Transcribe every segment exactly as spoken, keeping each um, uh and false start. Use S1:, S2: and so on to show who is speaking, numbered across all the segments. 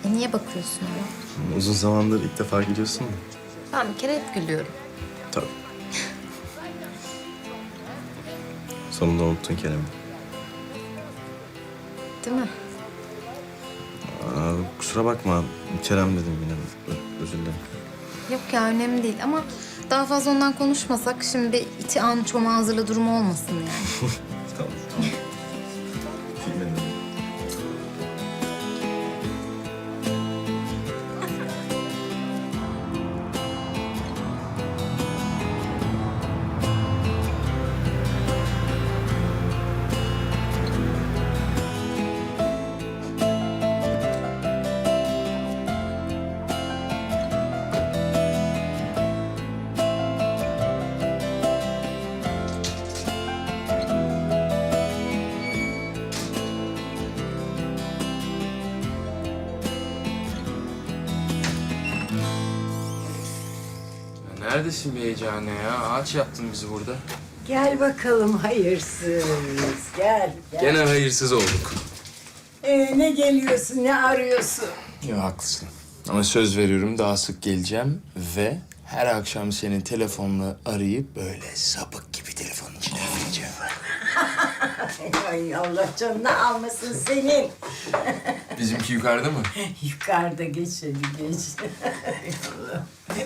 S1: E niye bakıyorsun ama?
S2: Uzun zamandır ilk defa gülüyorsun mu?
S1: Ben bir kere hep gülüyorum.
S2: Tabii. Sonunda unuttun Kerem'i.
S1: Değil mi?
S2: Aa, kusura bakma. Kerem dedim yine. Ö- Özür dilerim.
S1: Yok ya önemli değil ama daha fazla ondan konuşmasak şimdi iti an çoma hazırla durumu olmasın yani.
S2: Tamam, tamam. Bilmedim.
S3: Neredesin be heyecane ya? Ağaç yaptın bizi burada.
S4: Gel bakalım hayırsız. Gel, gel.
S3: Gene hayırsız olduk.
S4: Ee, ne geliyorsun, ne arıyorsun?
S3: Ya haklısın. Ama söz veriyorum daha sık geleceğim ve her akşam senin telefonla arayıp böyle sapık gibi telefonun içine üfleyeceğim.
S4: Ay Allah canını almasın senin.
S3: Bizimki yukarıda mı?
S4: Yukarıda geç hadi geç. Ay Allah.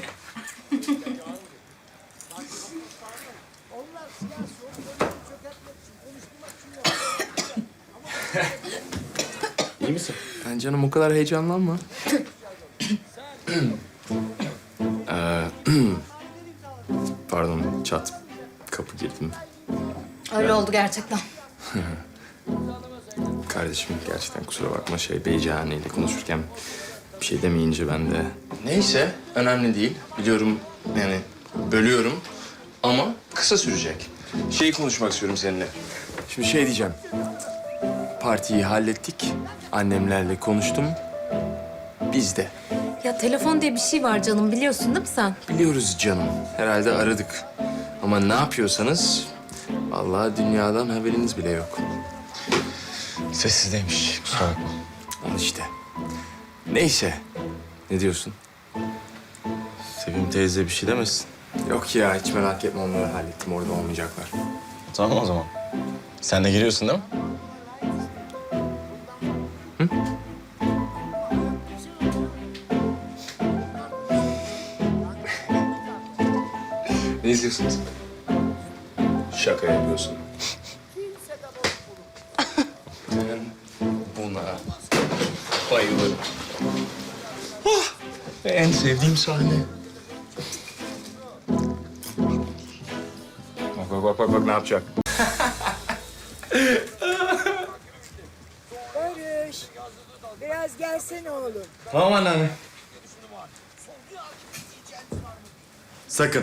S3: İyi misin? Yani canım o kadar heyecanlanma. ee, pardon çat. Kapı girdim.
S1: Öyle oldu gerçekten.
S3: Kardeşim gerçekten kusura bakma şey Beycihane ile konuşurken bir şey demeyince ben de... Neyse önemli değil. Biliyorum yani bölüyorum ama kısa sürecek. Şeyi konuşmak istiyorum seninle. Şimdi şey diyeceğim. Partiyi hallettik. Annemlerle konuştum. Biz de.
S1: Ya telefon diye bir şey var canım biliyorsun değil mi sen?
S3: Biliyoruz canım. Herhalde aradık. Ama ne yapıyorsanız vallahi dünyadan haberiniz bile yok.
S2: Sessizdeymiş. Kusura bakma.
S3: Al işte. Neyse. Ne diyorsun?
S2: Sevim teyze bir şey demesin.
S3: Yok ya hiç merak etme onları hallettim. Orada olmayacaklar.
S2: Tamam o zaman. Sen de giriyorsun değil mi?
S3: Ne izliyorsunuz? Şaka yapıyorsun. Ben buna bayılırım. Ah, en sevdiğim sahne. Bak bak bak bak, bak ne yapacak?
S4: Barış, biraz gelsene oğlum.
S2: Tamam anneanne. Sakın.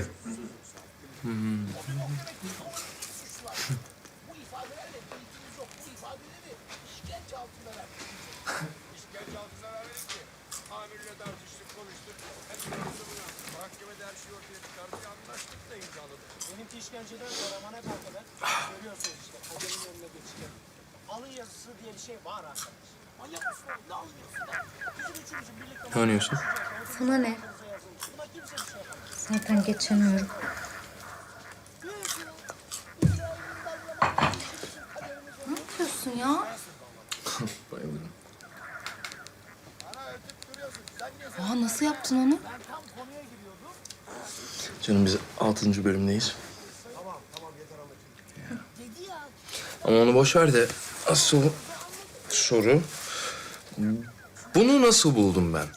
S5: Benimki işkenceden sonra bana kalkadan görüyorsunuz işte kaderin önüne geçeceğim. Alın yazısı diye bir şey var arkadaş. Manyak mısın oğlum? Ne alıyorsun da? Bizim üçümüzün birlikte...
S3: Ne oynuyorsun?
S1: Sana ne?
S5: Buna kimse bir şey yapamaz.
S1: Zaten geçemiyorum. Ne yapıyorsun ya?
S3: Bayılırım.
S1: Aa nasıl yaptın onu?
S3: Canım biz altıncı bölümdeyiz. Ama onu boş ver de asıl soru... Bunu nasıl buldum ben?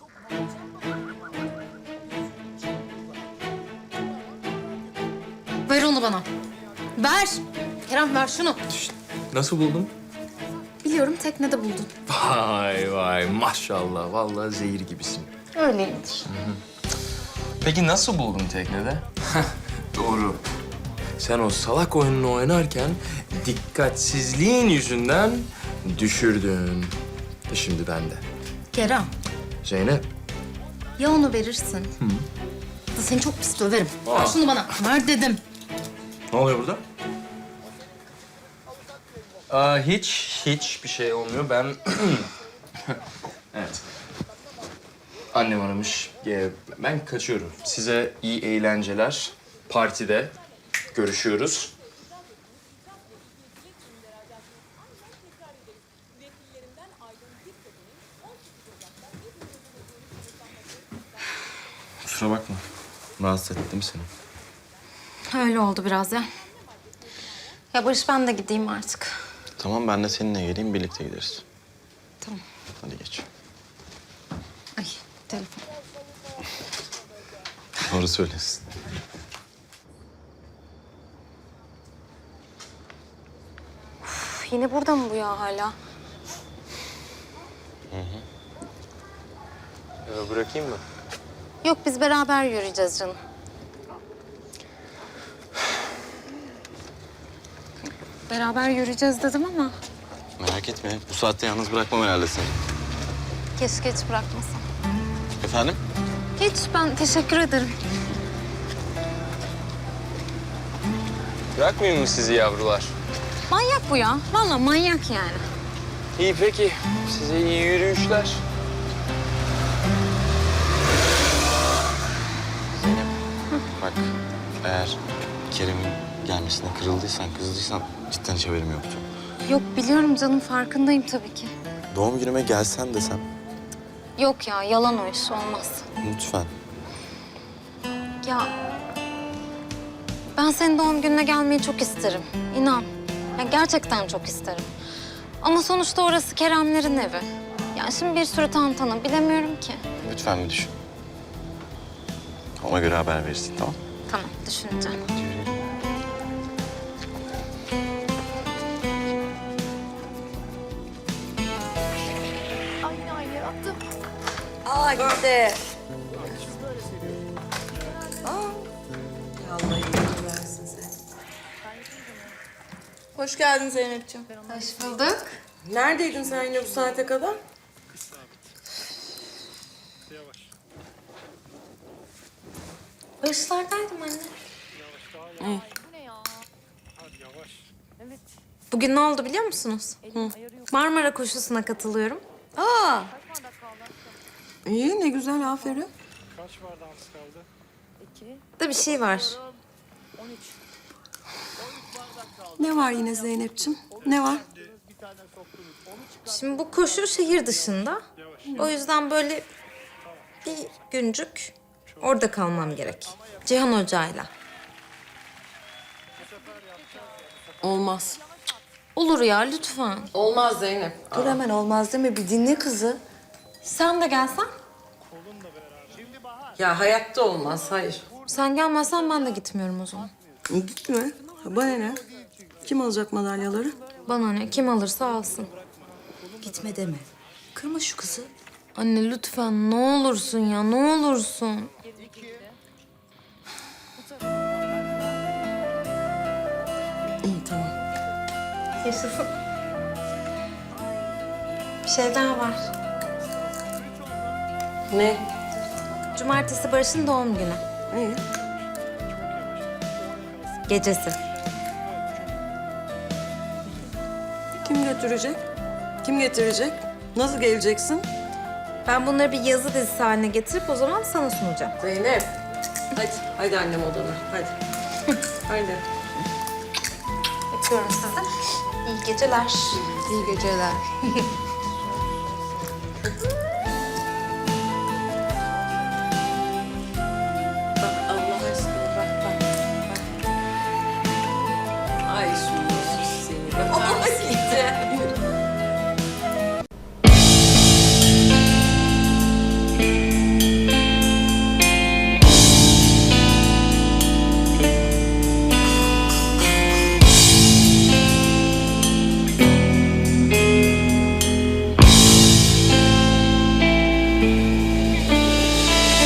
S1: Ver onu bana. Ver. Kerem ver şunu.
S3: İşte, nasıl buldum?
S1: Biliyorum teknede buldun.
S3: Vay vay maşallah. Vallahi zehir gibisin.
S1: Öyleymiş.
S3: Peki nasıl buldun teknede? Doğru. Sen o salak oyununu oynarken dikkatsizliğin yüzünden düşürdün. E şimdi ben de.
S1: Kerem
S3: Zeynep.
S1: ya onu verirsin. Hı. Da seni çok pis döverim.
S3: Aa.
S1: Ver şunu bana. Ver dedim.
S2: Ne oluyor burada?
S3: Aa, hiç, hiç bir şey olmuyor. Ben... evet. Annem aramış. Ee, Ben kaçıyorum. Size iyi eğlenceler. Partide görüşüyoruz.
S2: Kusura bakma. Rahatsız ettim seni.
S1: Öyle oldu biraz ya. Ya Barış ben de gideyim artık.
S2: Tamam ben de seninle geleyim birlikte gideriz.
S1: Tamam.
S2: Hadi geç.
S1: Ay telefon.
S2: Doğru söylesin.
S1: Üf, yine burada mı bu ya hala?
S3: Ee, bırakayım mı?
S1: Yok biz beraber yürüyeceğiz canım. Beraber yürüyeceğiz dedim ama
S2: Merak etme. Bu saatte yalnız bırakmam herhalde seni.
S1: keşke hiç bırakmasam.
S2: Efendim?
S1: Hiç ben teşekkür ederim.
S3: Bırakmayayım mı sizi yavrular?
S1: Manyak bu ya. Vallahi manyak yani.
S3: İyi peki. Size iyi yürüyüşler.
S2: Zeynep. Bak eğer Kerem'in gelmesine kırıldıysan, kızdıysan cidden hiç haberim yoktu.
S1: Yok biliyorum canım farkındayım tabii ki.
S2: Doğum günüme gelsen desem.
S1: Yok ya yalan o iş olmaz.
S2: Lütfen.
S1: Ya ben senin doğum gününe gelmeyi çok isterim. İnan. Ya gerçekten çok isterim. Ama sonuçta orası Keremlerin evi. Ya şimdi bir sürü tantana bilemiyorum ki.
S2: Lütfen bir düşün. Ona göre haber verirsin tamam?
S1: Tamam düşüneceğim.
S6: Aa gitti. Aa. Allah iyilik versin sen. Hoş geldin Zeynep'ciğim.
S1: Hoş bulduk.
S6: Neredeydin sen yine bu saate kadar?
S1: Barışlardaydım anne.
S6: İyi.
S1: Bugün ne oldu biliyor musunuz? Marmara koşusuna katılıyorum.
S6: Aa. İyi ne güzel aferin.
S1: Da bir şey var.
S6: Ne var yine Zeynep'ciğim? Ne var?
S1: Şimdi bu koşu şehir dışında. O yüzden böyle bir güncük orada kalmam gerek. Cihan Hoca'yla.
S6: Olmaz.
S1: Olur ya lütfen.
S6: Olmaz Zeynep.
S1: Dur hemen olmaz deme bir dinle kızı. Sen de gelsen.
S6: Ya hayatta olmaz hayır.
S1: Sen gelmezsen ben de gitmiyorum o zaman.
S6: Gitme. Bana ne? Kim alacak madalyaları?
S1: Bana ne kim alırsa alsın.
S4: Gitme deme. Kırma şu kızı.
S1: Anne lütfen ne olursun ya ne olursun.
S6: İyi tamam.
S1: Yaşasın. Bir şey daha var.
S6: Ne?
S1: Cumartesi Barış'ın doğum günü.
S6: İyi.
S1: Gecesi.
S6: Kim götürecek? Kim getirecek? Nasıl geleceksin?
S1: Ben bunları bir yazı dizisi haline getirip o zaman sana sunacağım.
S6: Zeynep. Hadi, hadi annem odana. Hadi. Hadi.
S1: Öpüyorum sizi. İyi geceler.
S6: İyi geceler.